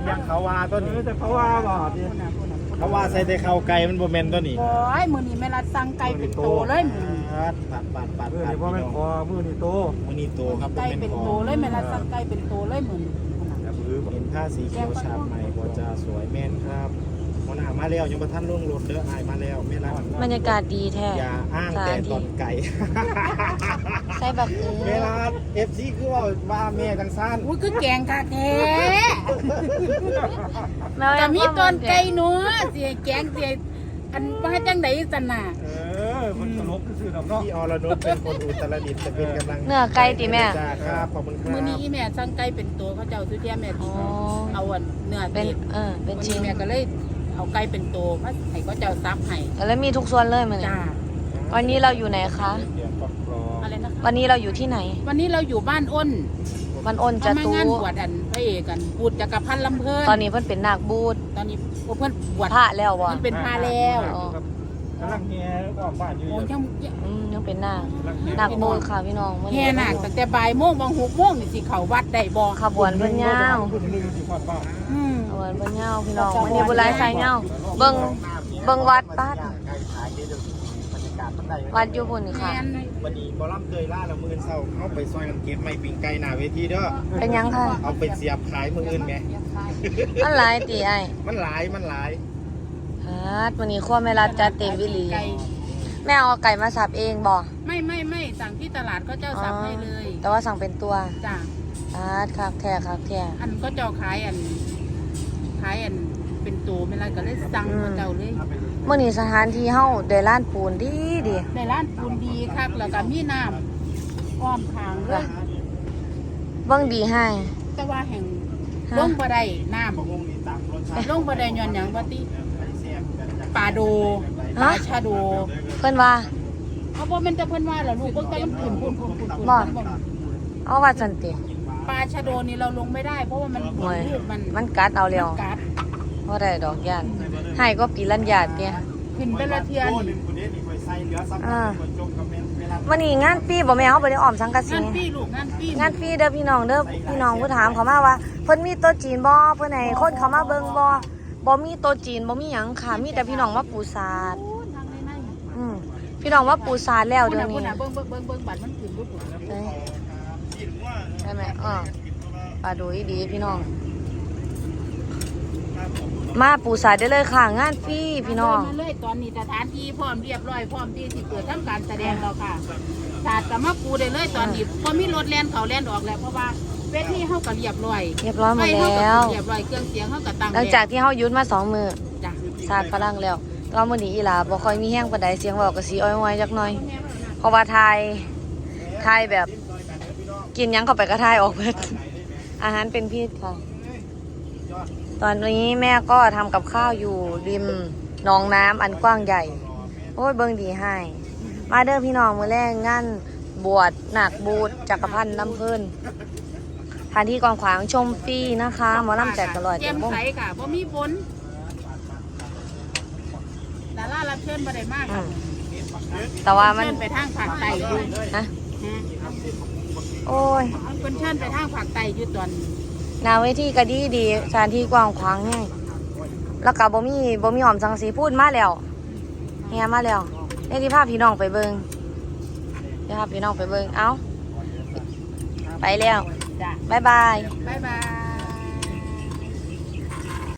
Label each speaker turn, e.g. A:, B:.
A: ยังเขาว่าต้นนี้
B: แต่เขาว่าบ่ดิ
A: เขาว่าใส่แต่ข้าวไก่มันบ่แม่นต้นนี้
C: โอ้ยมื้อนี้แม่รัดสั่งไก่เป็นโตเลยมื้อนี้
A: ปัด
B: นี่ว่ามันคอมือนี่โต
A: มื้อนี้โตครับบ่
C: ไก่
A: แม่น
C: เป็น
A: ค
C: โต
A: อ
C: เลยแม่รัดสั่งไก่เป็นโตเลยมื้อนี้
A: เห็นผ้าสีเขียวฉาบใหม่บ่จะสวยแม่นครับหัวหน้ามาแล้วยังบ่ทันลงรถเด้ออายมาแล้วแม่รัก
D: บรรยากาศดีแท้
A: อย่าอ้างแต่ตอนไก่
D: ใส่บัก
A: แม่รัก FC คือว่าแม่จังซั่น
C: อุ้ยคือแกงค่ะแท้
D: แม่
C: แต่มีตอนไก่เนาะสิแกงสิอันว่าจังได๋ซั่นน่ะ
B: มันตลกซื่อดอกเนาะ
A: พี่อรนุชเป็นคนอุตรดิตถ์จะเป็นกำลัง
D: เนื้อไก่ติแม่
A: จ้าครับขอบคุณครับ
C: มื้อนี้อีแม่สั่งไก่เป็นโตเขาเจ้าสุเทียแม่
D: อ๋อ
C: เอาอันเนื้อ
D: เป็น
C: ติด
D: เป็น
C: มื้อ
D: ชิ้
C: นี้
D: น
C: แม่ก็เลยเอาไก่เป็นโตมาให้เขาเจ้าซับให้
D: แล้วมีทุกส่วนเลยมัน
C: จ้า
D: วันนี้เราอยู่ไหนคะ
A: เดี๋ยวก็รอ
C: อะไรนะคะ
D: วันนี้เราอยู่ที่ไหน
C: วันนี้เราอยู่บ้านอ้น
D: มันอ้นจะ
C: มา
D: ตู
C: งานบวชอันพระเอกกันบูดจักรพันธ์ลำเพิ่น
D: ตอนนี้เพิ่นเป็นนาคบูด
C: ตอนนี้เพิ่นบวช
D: พระแล้ววะ
C: มันเป็นพาแล้ว
D: อ๋อ
B: กำลังแง่ก็บ้านอยู่
C: โอ้ยัง
D: ยังเป็นนาคนาคบูดค่ะพี่น้องวัน
C: แห่
D: นี้
C: นาคตั้งแต่บ่ายโมงบาง6 โมงนี่สิเข้าวัดได้บ่
D: ขบวนเพิ่นยาว
B: พูดถึงสิฮอดบ้าน
C: อืม
D: ขบวนเพิ่นยาวพี่น้องวันนี้บุญหลายสายยาวเบิ่งวัดป้าด
A: ไก่ขายเดี๋ยวบรรยากาศมันได้
D: วัดอยู่พุ่นนี่ค่ะ
C: แม่น
A: วันนี้บอลล่ำเตยล่าละมื้อเช้าเข้าไปซอยน้ำเก็บไม่ปิงไก่หน้าเวทีเด้อ
D: เป็นยังค่ะ
A: เอาไปเสียบขายมื้ออื่นแหม
D: มันหลายตีไอ้
A: มันหลาย
D: ฮาดวันนี้ครัวแม่รัดจัดเต็มวิลี
C: ไก่
D: แม่เอาไก่มาสับเองบ่
C: ไม่สั่งที่ตลาดก็เจ้าสับให้เลย
D: แต่ว่าสั่งเป็นตัว
C: จ้ะ
D: ฮาดคักแท้คักแท้
C: อันก็เจ้าขายอันเป็นตัวไม่ไรก็เลยสั่งเขาเจ้าเลย
D: เมื่อนี้สถานที่เฮาได้ร้านปูนดีดี
C: ในร้านปูนดีคักแล้วก็มีน้ำอ้อมทางเลย
D: เบิ่งดีให้
C: แต่ว่าแห่ง
D: ฮะ
C: ลงบ่ได้น้
A: ๆบ่งนี่ตามรสชาติ
C: ำลงบ่ได้ย้อนหยังว่าติ
A: แซ่บกันจัง
C: ปลาโดปลาชาโด
D: เพิ่นว่า
C: เอาบ่แม่นแต่เพิ่นว่าล่ะลูกเบิ่งแต่มันขึ้นพุ่น
D: บ่ เอาว่าจันติ
C: ปลาชาโดนี่เราลงไม่ได้เพราะว่ามัน
D: โอ้ย
C: ลูกมัน
D: มันกัดเอาแล้ว
C: กัด
D: บ่ได้ดอกย่านให้ก็ปีลัญญาติเนี่ย
C: ขึ้นไปละเทียน
A: โลนึงคนนี้นี่ค่อยใส่เหลือซ้ำคนจบกับแม่เวลา
D: วันนี้งานปีบ่แม่เฮาบ่ได้อ้อมสังกะสี
C: งานปี้ลูกงานปี้
D: งานปีเด้อพี่น้องเด้อพี่น้องผู้ถามเขามาว่าเพิ่นมีโต๊ะจีนบ่เพิ่นให้คนเขามาเบิ่งบ่มีโต๊ะจีนบ่มีหยังค่ะมีแต่พี่น้องมาปูสาด
C: โอ้ทางใน
D: พี่น้องว่าปูสาดแล้ว
C: พุ่น
D: เดี๋ยว
C: น่ะพุ่
D: นี้
C: นน่ะเบิ่งบัตรมันขึ้นบ่พุ่น
D: ใช่ไหมปลาดูดีพี่น้อง มาปูสาดได้เลยค่ะ งานฟรีพี่น้อง
C: มาเลยตอนนี้สถานที่พร้อมเรียบร้อยพร้อมที่สิเปิดทำการแสดงแล้วค่ะศาสตร์ก็มาปูได้เลยตอนนี้พอมีรถแล่นเขาแล่นออกแล้วเพราะว่าเวทีเฮาก็เรียบร้อย
D: เรียบร้อยหมด
C: ไฟเฮาก็
D: แล้ว
C: เรียบร้อยเครื่องเสียงเฮาก็ตั้ง
D: หลังจากที่เฮาหยุดมา2 มื้อ
C: จ้ะ
D: สาดกำลังแล้วแตอนมื้อนี้อีหลาบ่ค่อยมีแห้งปานใดเสียงเว้าก็สิอ้อยๆจักหน่อย เพราะว่าทายแบบกินหยังเข้าไปก็ทายออกเบิดอาหารเป็นพิษค่ะ ตอนนี้แม่ก็ทำกับข้าวอยู่ริมหนองน้ำอันกว้างใหญ่ โอ้ยเบิ่งดีให้ มาเด้อพี่น้องมื้อแรกงานบวชหนักบูดจักรพันธ์น้ำเพิ่นทานที่กองขวางชมฟรีนะคะหมอลำแจกตลอด
C: แจ่มใสค่ะบ่มีฝนดารารับเชิญบ่ได้มาก
D: อื
C: ค่ะ
D: มแต่ว่ามัน
C: เชิญไปทางภาคใต้อยู่
D: นะโอ้ย
C: เพิ่นเชิญไปทางภาคใต้อยู่ตอน
D: หนาเวทีก็ดีสถานที่กว้างขวางแห้งแล้วก็บ่มีหอมสังสีพูดมาแล้วเฮียมาแล้วนี่ที่พาพี่น้องไปเบิ่งเดี๋ยวพาพี่น้องไปเบิ่งเอ้าไปแล้ว
C: จ้ะ
D: บ๊ายบาย
C: บ๊ายบาย